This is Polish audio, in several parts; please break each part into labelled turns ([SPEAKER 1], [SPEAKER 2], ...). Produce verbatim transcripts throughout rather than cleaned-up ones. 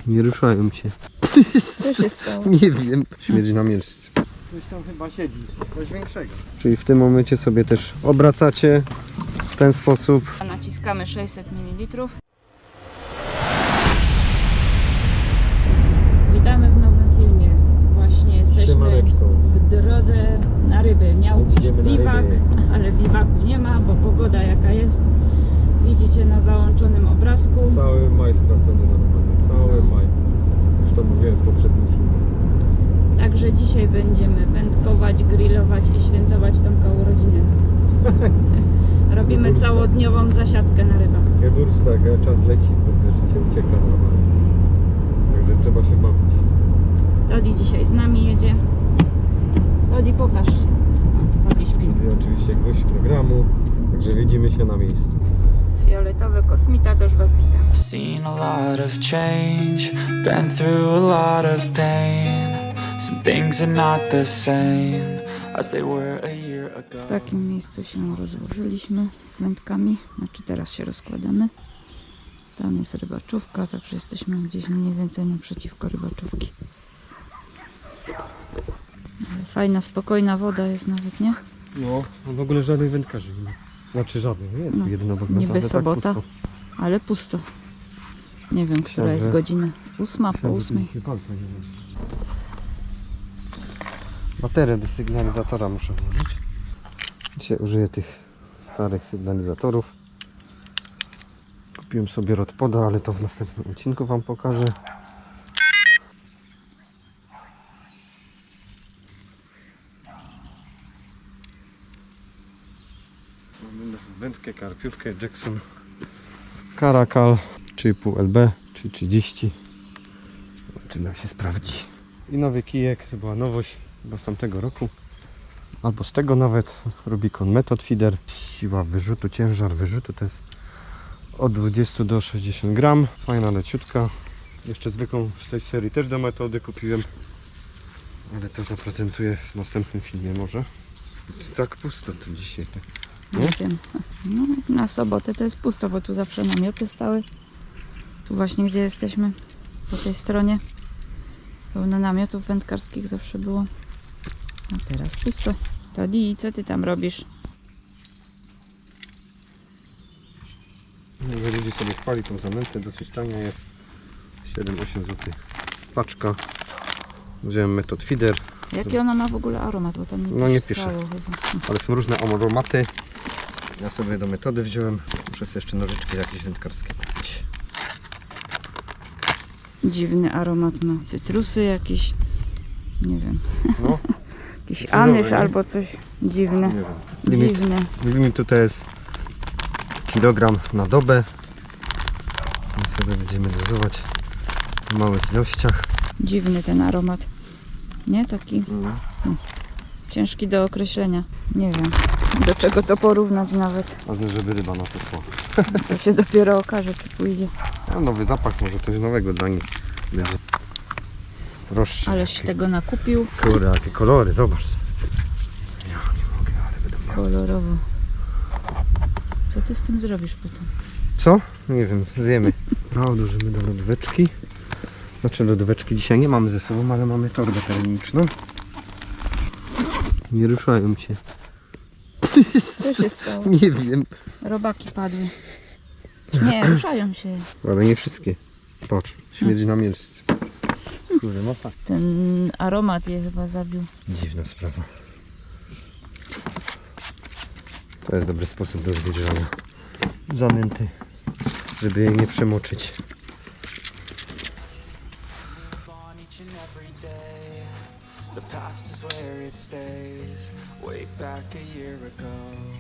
[SPEAKER 1] Nie ruszają się.
[SPEAKER 2] Co się stało?
[SPEAKER 1] Nie wiem. Śmierdzi na miejscu.
[SPEAKER 3] Coś tam chyba siedzi, coś większego.
[SPEAKER 1] Czyli w tym momencie sobie też obracacie w ten sposób.
[SPEAKER 2] Naciskamy sześćset mililitrów. Witamy w nowym filmie. Właśnie jesteśmy
[SPEAKER 1] Siemaneczko.
[SPEAKER 2] w drodze na ryby. Miał być
[SPEAKER 1] Idziemy na
[SPEAKER 2] biwak,
[SPEAKER 1] ryby.
[SPEAKER 2] ale biwaku nie ma, bo pogoda jaka jest. Widzicie na załączonym obrazku.
[SPEAKER 1] Cały maj stracony normalnie. Cały maj. Już to mówiłem w poprzednim filmie.
[SPEAKER 2] Także dzisiaj będziemy wędkować, grillować i świętować Tomka urodziny. Robimy
[SPEAKER 1] Wyborsta.
[SPEAKER 2] całodniową zasiadkę na rybach.
[SPEAKER 1] Geburs tak, czas leci, kurde, życie ucieka normalnie. Także trzeba się bawić.
[SPEAKER 2] Todi dzisiaj z nami jedzie. Todi, pokaż się. O, Todi śpi.
[SPEAKER 1] I oczywiście gość programu, także widzimy się na miejscu.
[SPEAKER 2] Fioletowy kosmita też Was witam.
[SPEAKER 4] Seen a lot of change, been through a lot of pain. Some things are not the same as they were a year ago.
[SPEAKER 2] W takim miejscu się rozłożyliśmy z wędkami. Znaczy teraz się rozkładamy. Tam jest rybaczówka, także jesteśmy gdzieś mniej więcej naprzeciwko rybaczówki. Ale fajna, spokojna woda jest nawet, nie?
[SPEAKER 1] No, w ogóle żadnych wędkarzy nie ma. Znaczy żadnych, nie?
[SPEAKER 2] No,
[SPEAKER 1] Jedno obok
[SPEAKER 2] niby
[SPEAKER 1] nas, ale
[SPEAKER 2] sobota.
[SPEAKER 1] Tak pusto.
[SPEAKER 2] Ale pusto. Nie wiem, która
[SPEAKER 1] Myślałem,
[SPEAKER 2] jest
[SPEAKER 1] że-
[SPEAKER 2] godzina. Ósma po ósmej.
[SPEAKER 1] Baterię do sygnalizatora muszę włożyć. Dzisiaj użyję tych starych sygnalizatorów. Kupiłem sobie Rodpoda, ale to w następnym odcinku Wam pokażę. Mamy wędkę, karpiówkę Jackson Caracal trzy i pół L B, czyli trzydzieści. Zobaczymy, jak się sprawdzi. I nowy kijek, to była nowość chyba z tamtego roku. Albo z tego nawet. Rubicon Method Feeder. Siła wyrzutu, ciężar wyrzutu to jest od dwudziestu do sześćdziesięciu gram. Fajna leciutka. Jeszcze zwykłą z tej serii też do metody kupiłem. Ale to zaprezentuję w następnym filmie może. Jest tak pusto tu dzisiaj. Tak.
[SPEAKER 2] Nie wiem. No, na sobotę to jest pusto, bo tu zawsze namioty stały. Tu właśnie gdzie jesteśmy, po tej stronie. Pełno namiotów wędkarskich zawsze było. A teraz pusto. Todi, co ty tam robisz?
[SPEAKER 1] Jeżeli ludzie sobie chwali tą zanętę, dosyć tania jest. siedem osiem złotych paczka. Wziąłem Method Feeder,
[SPEAKER 2] Jaki ona ma w ogóle aromat? Bo tam nie
[SPEAKER 1] No nie
[SPEAKER 2] pisało
[SPEAKER 1] pisze.
[SPEAKER 2] chyba.
[SPEAKER 1] ale są różne aromaty. Ja sobie do metody wziąłem. Muszę sobie jeszcze nożyczki jakieś wędkarskie kupić.
[SPEAKER 2] Dziwny aromat ma. Cytrusy jakieś. Nie wiem.
[SPEAKER 1] No,
[SPEAKER 2] Jakiś
[SPEAKER 1] Cytrynowe,
[SPEAKER 2] anyż
[SPEAKER 1] nie?
[SPEAKER 2] albo coś dziwne.
[SPEAKER 1] nie wiem. Limit,
[SPEAKER 2] Dziwne.
[SPEAKER 1] limit tutaj jest kilogram na dobę. My sobie będziemy dozować w małych ilościach.
[SPEAKER 2] Dziwny ten aromat. Nie? Taki ciężki do określenia. Nie wiem, do czego to porównać nawet.
[SPEAKER 1] Ważne, żeby ryba na to szła.
[SPEAKER 2] To się dopiero okaże, czy pójdzie.
[SPEAKER 1] A nowy zapach, może coś nowego dla nich będzie. Proszę.
[SPEAKER 2] Aleś tego nakupił
[SPEAKER 1] Kurde, jakie kolory, zobacz. Ja nie mogę, ale będą miały.
[SPEAKER 2] kolorowo. Co ty z tym zrobisz potem?
[SPEAKER 1] Co? Nie wiem, zjemy. No, odłożymy do lodóweczki. Znaczy lodóweczki dzisiaj nie mamy ze sobą, ale mamy torbę termiczną. Nie ruszają się.
[SPEAKER 2] Co się stało?
[SPEAKER 1] Nie wiem.
[SPEAKER 2] Robaki padły. Nie, ruszają się.
[SPEAKER 1] Ale nie wszystkie. Patrz, śmierdzi na miejscu. Kurde, masa.
[SPEAKER 2] Ten aromat je chyba zabił.
[SPEAKER 1] Dziwna sprawa. To jest dobry sposób do zwilżania zanęty, żeby jej nie przemoczyć.
[SPEAKER 4] On each and every day, the past is where it stays. Way back a year ago.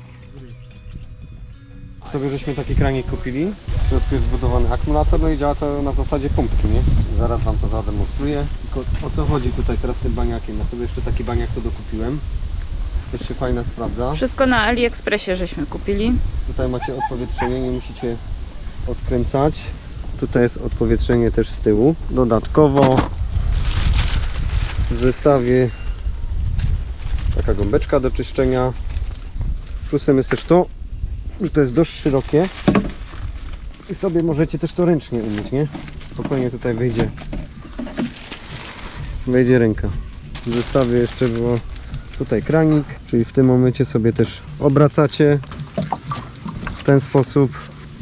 [SPEAKER 1] Sobie żeśmy taki kranik kupili. W środku jest zbudowany akumulator, no i działa to na zasadzie pompki, nie? Zaraz Wam to zademonstruję. Tylko o co chodzi tutaj teraz z tym baniakiem? Ja sobie jeszcze taki baniak to dokupiłem. Też się fajnie sprawdza.
[SPEAKER 2] Wszystko na AliExpressie żeśmy kupili.
[SPEAKER 1] Tutaj macie odpowietrzenie, nie musicie odkręcać. Tutaj jest odpowietrzenie też z tyłu. Dodatkowo w zestawie taka gąbeczka do czyszczenia. Plusem jest też to, że to jest dość szerokie i sobie możecie też to ręcznie umyć, nie? spokojnie tutaj wyjdzie wejdzie ręka. W zestawie jeszcze było tutaj kranik, czyli w tym momencie sobie też obracacie w ten sposób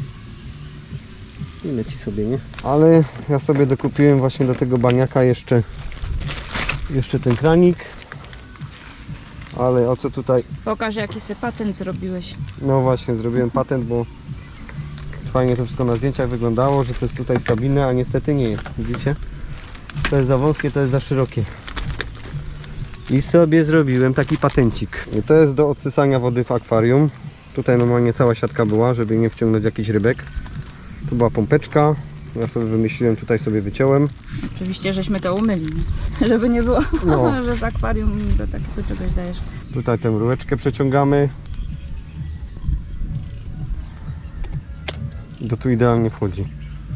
[SPEAKER 1] i leci sobie, nie? Ale ja sobie dokupiłem właśnie do tego baniaka jeszcze jeszcze ten kranik. Ale o co tutaj?
[SPEAKER 2] Pokaż, jaki sobie patent zrobiłeś.
[SPEAKER 1] No właśnie, zrobiłem patent, bo fajnie to wszystko na zdjęciach wyglądało, że to jest tutaj stabilne, a niestety nie jest. Widzicie? To jest za wąskie, to jest za szerokie. I sobie zrobiłem taki patencik. I to jest do odsysania wody w akwarium. Tutaj normalnie cała siatka była, żeby nie wciągnąć jakichś rybek. Tu była pompeczka. Ja sobie wymyśliłem, tutaj sobie wyciąłem.
[SPEAKER 2] Oczywiście, żeśmy to umyli, nie? Żeby nie było,
[SPEAKER 1] No.
[SPEAKER 2] że z akwarium do takiego czegoś dajesz.
[SPEAKER 1] Tutaj tę rureczkę przeciągamy. Do tu idealnie wchodzi.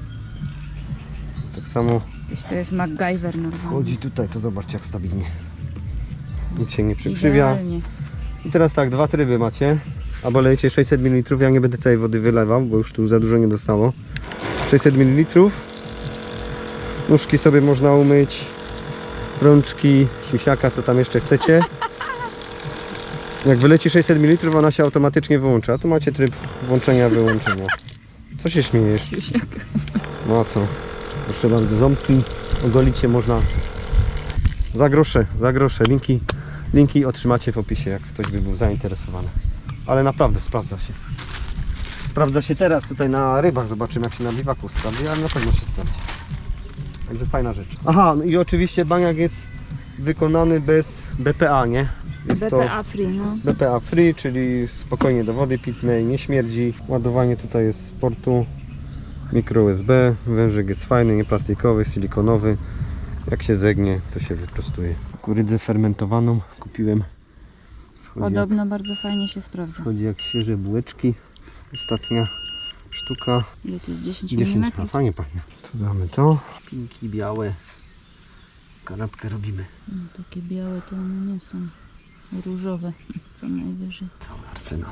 [SPEAKER 1] Tak samo
[SPEAKER 2] Gdzieś to jest MacGyver normalnie.
[SPEAKER 1] wchodzi tutaj, to zobaczcie jak stabilnie. Nic się nie przykrzywia.
[SPEAKER 2] Idealnie.
[SPEAKER 1] I teraz tak, dwa tryby macie. Albo lejecie sześćset mililitrów, ja nie będę całej wody wylewał, bo już tu za dużo nie dostało. sześćset mililitrów. Nóżki sobie można umyć. Rączki, siusiaka, co tam jeszcze chcecie. Jak wyleci sześćset mililitrów, ona się automatycznie wyłącza. Tu macie tryb włączenia, wyłączenia. Co się śmiejesz? No a co? Proszę bardzo, ząbki ogolić się można za grosze, za grosze. Linki, linki otrzymacie w opisie, jak ktoś by był zainteresowany. Ale naprawdę sprawdza się. Sprawdza się teraz tutaj na rybach. Zobaczymy, jak się na biwaku sprawdzi, ale na pewno się sprawdzi. Także fajna rzecz. Aha, no i oczywiście baniak jest wykonany bez B P A, nie? Jest
[SPEAKER 2] B P A free, no.
[SPEAKER 1] B P A free, czyli spokojnie do wody pitnej, nie śmierdzi. Ładowanie tutaj jest z portu mikro U S B. Wężyk jest fajny, nie plastikowy, silikonowy. Jak się zegnie, to się wyprostuje. Kukurydzę fermentowaną kupiłem. Schodzi
[SPEAKER 2] Podobno bardzo fajnie się sprawdza.
[SPEAKER 1] jak, schodzi jak świeże bułeczki. Ostatnia sztuka.
[SPEAKER 2] Ile to jest? dziesięć
[SPEAKER 1] dziesięć, a
[SPEAKER 2] milimetrów?
[SPEAKER 1] fajnie pachnie. Tu damy to. Pinki białe. Kanapkę robimy.
[SPEAKER 2] No, takie białe to one nie są. Różowe, co najwyżej.
[SPEAKER 1] Cały arsenał.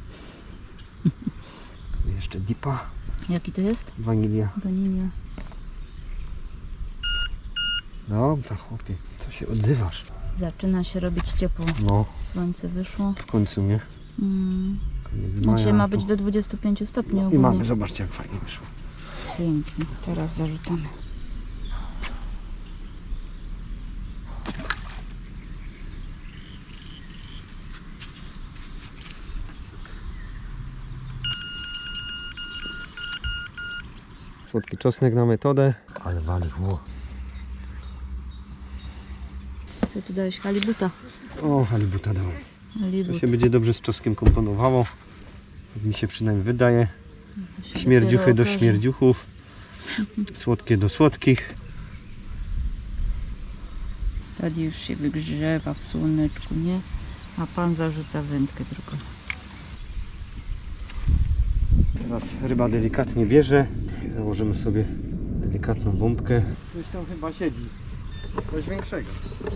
[SPEAKER 1] Jeszcze dipa.
[SPEAKER 2] Jaki to jest?
[SPEAKER 1] Wanilia.
[SPEAKER 2] Wanilia.
[SPEAKER 1] Dobra chłopie, co się odzywasz?
[SPEAKER 2] Zaczyna się robić ciepło.
[SPEAKER 1] No,
[SPEAKER 2] Słońce wyszło.
[SPEAKER 1] w końcu, nie?
[SPEAKER 2] Mm.
[SPEAKER 1] Koniec
[SPEAKER 2] Dzisiaj
[SPEAKER 1] maja,
[SPEAKER 2] ma
[SPEAKER 1] to-
[SPEAKER 2] być do dwudziestu pięciu stopni
[SPEAKER 1] I
[SPEAKER 2] ogólnie.
[SPEAKER 1] mamy, zobaczcie jak fajnie wyszło.
[SPEAKER 2] Pięknie. Teraz zarzucamy.
[SPEAKER 1] Słodki czosnek na metodę. Ale wali, ło.
[SPEAKER 2] Co tu dałeś? Halibuta.
[SPEAKER 1] O, halibuta dałem. To
[SPEAKER 2] Halibut.
[SPEAKER 1] się będzie dobrze z czosnkiem komponowało. Tak mi się przynajmniej wydaje.
[SPEAKER 2] To się
[SPEAKER 1] Śmierdziuchy do
[SPEAKER 2] dopiero okaże.
[SPEAKER 1] śmierdziuchów. Słodkie do słodkich.
[SPEAKER 2] Tadzi już się wygrzewa w słoneczku, nie? A pan zarzuca wędkę tylko.
[SPEAKER 1] Teraz ryba delikatnie bierze. I założymy sobie delikatną bombkę.
[SPEAKER 3] Coś tam chyba siedzi. Coś większego.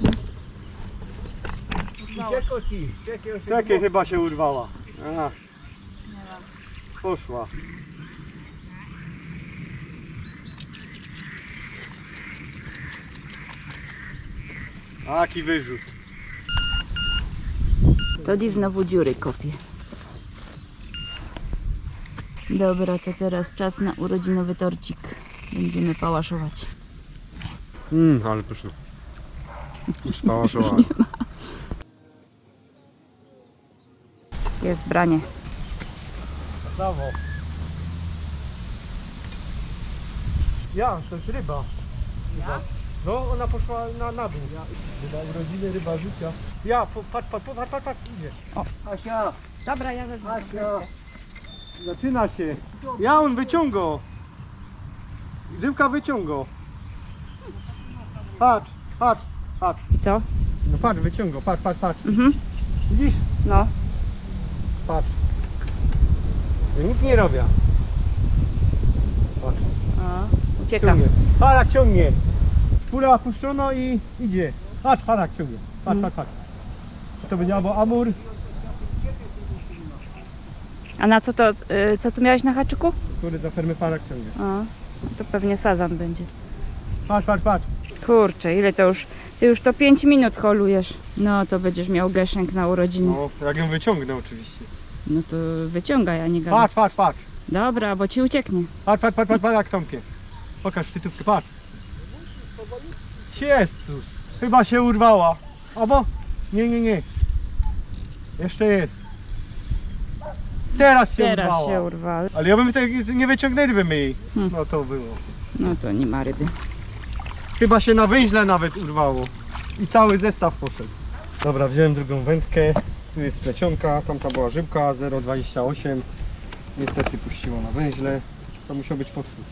[SPEAKER 1] Takie chyba się urwała. A, poszła. Taki wyrzut.
[SPEAKER 2] Tadzi znowu dziury kopie. Dobra, to teraz czas na urodzinowy torcik. Będziemy pałaszować.
[SPEAKER 1] Mmm, ale pyszne. Już pałaszowałem.
[SPEAKER 2] Jest branie.
[SPEAKER 3] Brawo. Ja, to jest ryba. Ja? No, ona poszła na, na dół. Ja. Ryba urodziny, ryba życia. Ja, po, patrz, patrz, patrz, patrz, patrz, idzie.
[SPEAKER 2] O.
[SPEAKER 3] Asia,
[SPEAKER 2] Dobra, ja wezmę.
[SPEAKER 3] Asia. Zaczyna się. Ja, on wyciągał. Rybka wyciągał. Patrz, patrz, patrz.
[SPEAKER 2] I co?
[SPEAKER 3] No patrz, wyciągał, patrz, patrz, patrz.
[SPEAKER 2] Mhm.
[SPEAKER 3] Widzisz?
[SPEAKER 2] No.
[SPEAKER 3] Patrz. Ja nic nie robię. Patrz.
[SPEAKER 2] A, ucieka.
[SPEAKER 3] Ciągnie. Parak ciągnie. Pula puszczono i idzie. Patrz, parak ciągnie. Patrz, patrz, patrz. To będzie albo amur.
[SPEAKER 2] A na co to, y, co tu miałeś na haczyku?
[SPEAKER 3] Który za fermy parak ciągnie.
[SPEAKER 2] A. To pewnie sazan będzie.
[SPEAKER 3] Patrz, patrz, patrz.
[SPEAKER 2] Kurczę, ile to już... Ty już to pięć minut holujesz. No to będziesz miał geszenk na urodziny.
[SPEAKER 1] No, jak ją wyciągnę oczywiście.
[SPEAKER 2] No to wyciągaj, a nie gadaj.
[SPEAKER 3] Patrz, patrz, patrz.
[SPEAKER 2] Dobra, bo ci ucieknie.
[SPEAKER 3] Patrz, patrz, patrz, patrz, patrz jak Tomkie. Pokaż tytówkę, patrz. Jezus. Chyba się urwała. Albo? Nie, nie, nie. Jeszcze jest. Teraz się
[SPEAKER 2] Teraz
[SPEAKER 3] urwała.
[SPEAKER 2] się urwa.
[SPEAKER 3] Ale ja bym tak nie wyciągnęliby my jej.
[SPEAKER 2] Hmm.
[SPEAKER 3] No to było.
[SPEAKER 2] No to nie ma ryby.
[SPEAKER 3] Chyba się na węźle nawet urwało. I cały zestaw poszedł.
[SPEAKER 1] Dobra, wziąłem drugą wędkę. Tu jest plecionka, tamta była żybka zero przecinek dwadzieścia osiem. Niestety puściło na węźle. To musiał być potwór.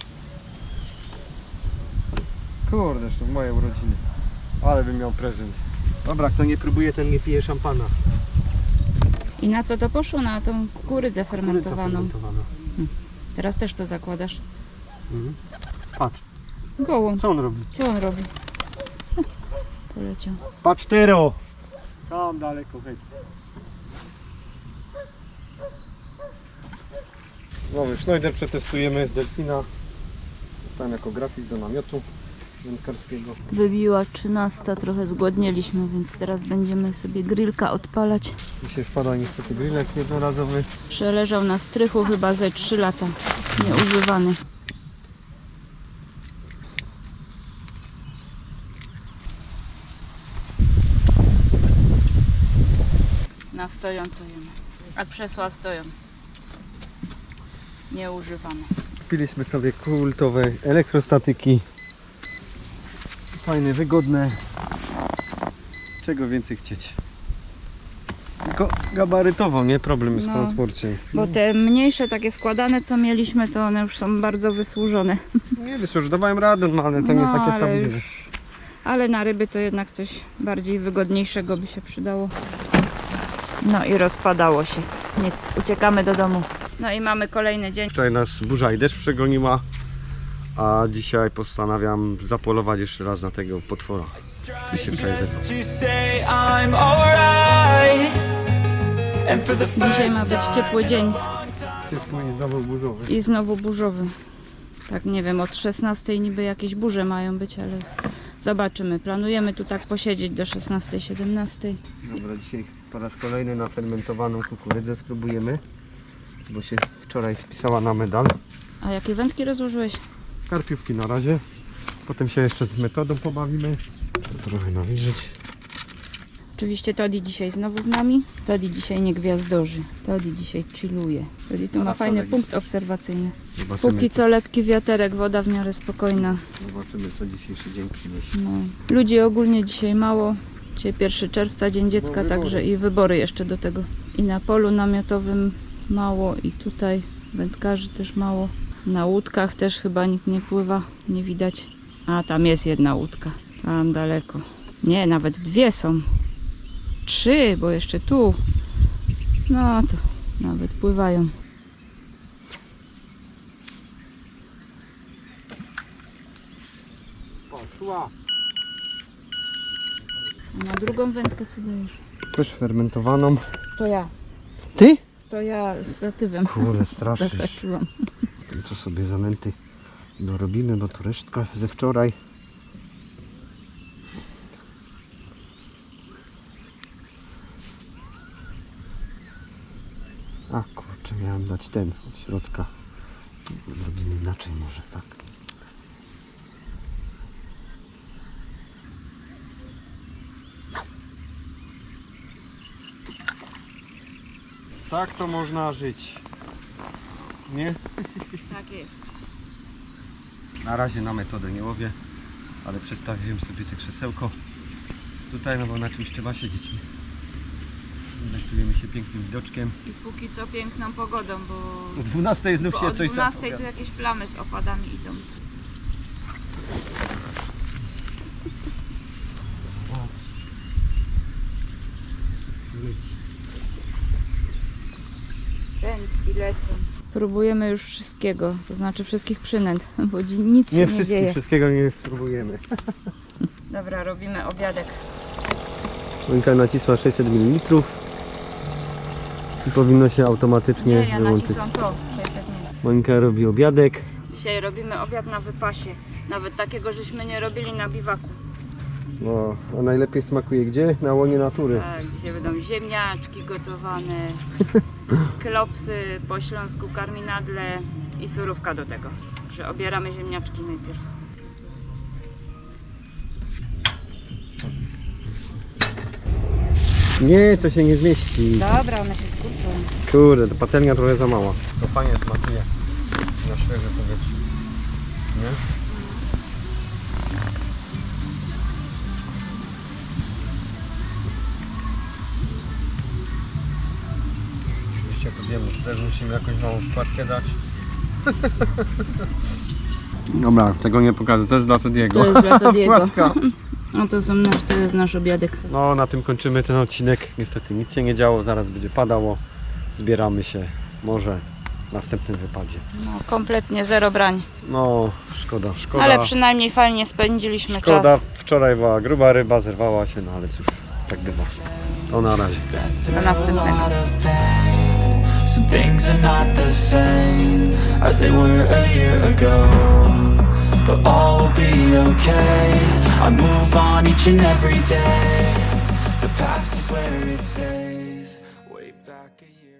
[SPEAKER 1] Kurde, to w moje urodziny. Ale bym miał prezent.
[SPEAKER 3] Dobra, kto nie próbuje, ten nie pije szampana.
[SPEAKER 2] I na co to poszło? Na tą kurydzę fermentowaną.
[SPEAKER 3] fermentowana.
[SPEAKER 2] Teraz też to zakładasz.
[SPEAKER 3] Mhm. Patrz,
[SPEAKER 2] Gołą.
[SPEAKER 3] co on robi?
[SPEAKER 2] Co on robi? Hm, Poleciał.
[SPEAKER 3] Patrz tero. Tam daleko, hej.
[SPEAKER 1] Nowy Schneider przetestujemy z delfina. Dostałem jako gratis do namiotu wędkarskiego.
[SPEAKER 2] Wybiła trzynasta, trochę zgłodnieliśmy, więc teraz będziemy sobie grillka odpalać.
[SPEAKER 1] Dzisiaj wpada niestety grillek jednorazowy.
[SPEAKER 2] Przeleżał na strychu chyba ze trzy lata. Nieużywany. Na stojąco jemy. A krzesła stoją. Nieużywane.
[SPEAKER 1] Kupiliśmy sobie kultowe elektrostatyki. Fajne, wygodne. Czego więcej chcieć? Tylko gabarytowo, nie? Problem jest w
[SPEAKER 2] No.
[SPEAKER 1] transporcie.
[SPEAKER 2] Bo te mniejsze takie składane co mieliśmy, to one już są bardzo wysłużone.
[SPEAKER 1] Nie wiesz, już dawałem radę, no ale to nie jest takie
[SPEAKER 2] ale
[SPEAKER 1] stabilne.
[SPEAKER 2] już- Ale na ryby to jednak coś bardziej wygodniejszego by się przydało. No i rozpadało się. Nic, uciekamy do domu. No i mamy kolejny dzień.
[SPEAKER 1] Wczoraj nas burza i deszcz przegoniła, a dzisiaj postanawiam zapolować jeszcze raz na tego potwora. I się wczoraj zebrał.
[SPEAKER 4] To say I'm alright. And for the
[SPEAKER 2] Dzisiaj ma być ciepły dzień
[SPEAKER 1] Ciepły i znowu burzowy.
[SPEAKER 2] i znowu burzowy. Tak, nie wiem, od szesnastej niby jakieś burze mają być, ale zobaczymy. Planujemy tu tak posiedzieć do szesnastej, siedemnastej.
[SPEAKER 1] Dobra, dzisiaj po raz kolejny na fermentowaną kukurydzę spróbujemy, bo się wczoraj spisała na medal.
[SPEAKER 2] A jakie wędki rozłożyłeś?
[SPEAKER 1] Karpiówki na razie, potem się jeszcze z metodą pobawimy. Trochę nawilżyć.
[SPEAKER 2] Oczywiście Toddy dzisiaj znowu z nami. Toddy dzisiaj nie gwiazdorzy. Toddy dzisiaj chilluje. Toddy tu ma
[SPEAKER 1] Parasolek
[SPEAKER 2] fajny
[SPEAKER 1] jest.
[SPEAKER 2] punkt obserwacyjny.
[SPEAKER 1] Zobaczymy,
[SPEAKER 2] Póki co lekki wiaterek, woda w miarę spokojna.
[SPEAKER 1] zobaczymy co dzisiejszy dzień przyniesie.
[SPEAKER 2] No. Ludzi ogólnie dzisiaj mało. Dzisiaj pierwszego czerwca, Dzień Dziecka,
[SPEAKER 1] wybory.
[SPEAKER 2] także i wybory jeszcze do tego. I na polu namiotowym mało, i tutaj wędkarzy też mało. Na łódkach też chyba nikt nie pływa, nie widać. A tam jest jedna łódka, tam daleko. Nie, nawet dwie są. Trzy, bo jeszcze tu. No to nawet pływają.
[SPEAKER 3] Poszła.
[SPEAKER 2] A na drugą wędkę co dajesz?
[SPEAKER 1] Też fermentowaną.
[SPEAKER 2] To ja.
[SPEAKER 1] Ty?
[SPEAKER 2] To ja z statywem.
[SPEAKER 1] Kurde, straszysz.
[SPEAKER 2] Zahaczyłam.
[SPEAKER 1] To sobie zanęty dorobimy, bo to resztka ze wczoraj. A kurczę, miałem dać ten od środka. Zrobimy inaczej może, tak. Tak to można żyć. Nie?
[SPEAKER 2] Tak jest.
[SPEAKER 1] Na razie na metodę nie łowię, ale przestawiłem sobie te krzesełko tutaj, no bo na czymś trzeba siedzieć. Nie? Delektujemy się pięknym widoczkiem.
[SPEAKER 2] I póki co piękną pogodą, bo,
[SPEAKER 1] O dwunastej znów
[SPEAKER 2] bo
[SPEAKER 1] się
[SPEAKER 2] o
[SPEAKER 1] coś
[SPEAKER 2] dwunastej tu
[SPEAKER 1] zapowiada.
[SPEAKER 2] jakieś plamy z opadami idą. Wędki lecą. Próbujemy już wszystkiego, to znaczy wszystkich przynęt, bo dzi- nic
[SPEAKER 1] Nie
[SPEAKER 2] się nie
[SPEAKER 1] wszystkim,
[SPEAKER 2] dzieje.
[SPEAKER 1] wszystkiego nie spróbujemy.
[SPEAKER 2] Dobra, robimy obiadek.
[SPEAKER 1] Monika nacisła sześćset mililitrów i powinno się automatycznie
[SPEAKER 2] Nie, ja
[SPEAKER 1] wyłączyć.
[SPEAKER 2] nacisłam to, sześćset mililitrów.
[SPEAKER 1] Monika robi obiadek.
[SPEAKER 2] Dzisiaj robimy obiad na wypasie. Nawet takiego żeśmy nie robili na biwaku.
[SPEAKER 1] No, a najlepiej smakuje gdzie? Na łonie natury.
[SPEAKER 2] Tak, dzisiaj będą ziemniaczki gotowane, klopsy po śląsku, karminadle i surówka do tego. Także obieramy ziemniaczki najpierw.
[SPEAKER 1] Nie, to się nie zmieści.
[SPEAKER 2] Dobra, one się skurczą.
[SPEAKER 1] Kurde, ta patelnia trochę za mała. To fajnie smakuje na świeże powietrze. Nie? Oczywiście podjemy, też musimy jakąś małą wkładkę dać. Dobra, tego nie pokażę, to jest dla Todiego.
[SPEAKER 2] To jest dla Todiego.
[SPEAKER 1] Wkładka.
[SPEAKER 2] No to, są nasz, to jest nasz obiadek.
[SPEAKER 1] No, na tym kończymy ten odcinek. Niestety nic się nie działo, zaraz będzie padało. Zbieramy się może w następnym wypadzie.
[SPEAKER 2] No, kompletnie zero brań.
[SPEAKER 1] No, szkoda, szkoda.
[SPEAKER 2] Ale przynajmniej fajnie spędziliśmy
[SPEAKER 1] Szkoda,
[SPEAKER 2] czas.
[SPEAKER 1] wczoraj była gruba ryba, zerwała się, no ale cóż, tak bywa. To na razie.
[SPEAKER 2] Do następnego.
[SPEAKER 4] Some things are not the same as they were a year ago, but all will be okay. I move on each and every day. The past is where it stays. Way back a year